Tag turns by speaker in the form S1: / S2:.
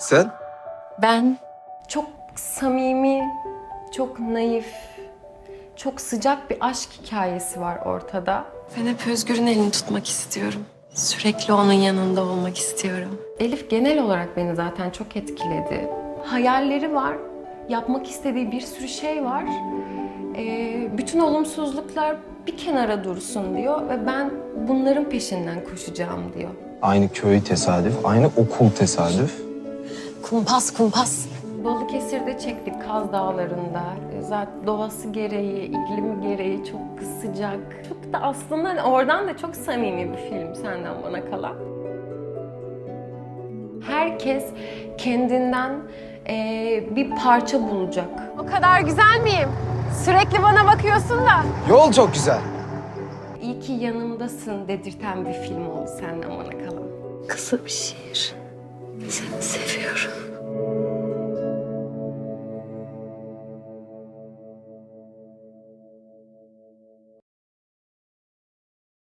S1: Sen?
S2: Ben çok samimi, çok naif, çok sıcak bir aşk hikayesi var ortada. Ben hep Özgür'ün elini tutmak istiyorum. Sürekli onun yanında olmak istiyorum. Elif genel olarak beni zaten çok etkiledi. Hayalleri var, yapmak istediği bir sürü şey var. Bütün olumsuzluklar bir kenara dursun diyor ve ben bunların peşinden koşacağım diyor.
S1: Aynı köy tesadüf, aynı okul tesadüf.
S2: Kumpas kumpas. Balıkesir'de çektik Kaz Dağları'nda. Zaten doğası gereği, iklimi gereği çok sıcak. Çok da aslında hani oradan da çok samimi bir film Senden Bana Kalan. Herkes kendinden bir parça bulacak.
S3: O kadar güzel miyim? Sürekli bana bakıyorsun da.
S1: Yol çok güzel.
S2: İyi ki yanımdasın dedirten bir film oldu Senden Bana Kalan.
S4: Kısa bir şiir. Seni seviyorum.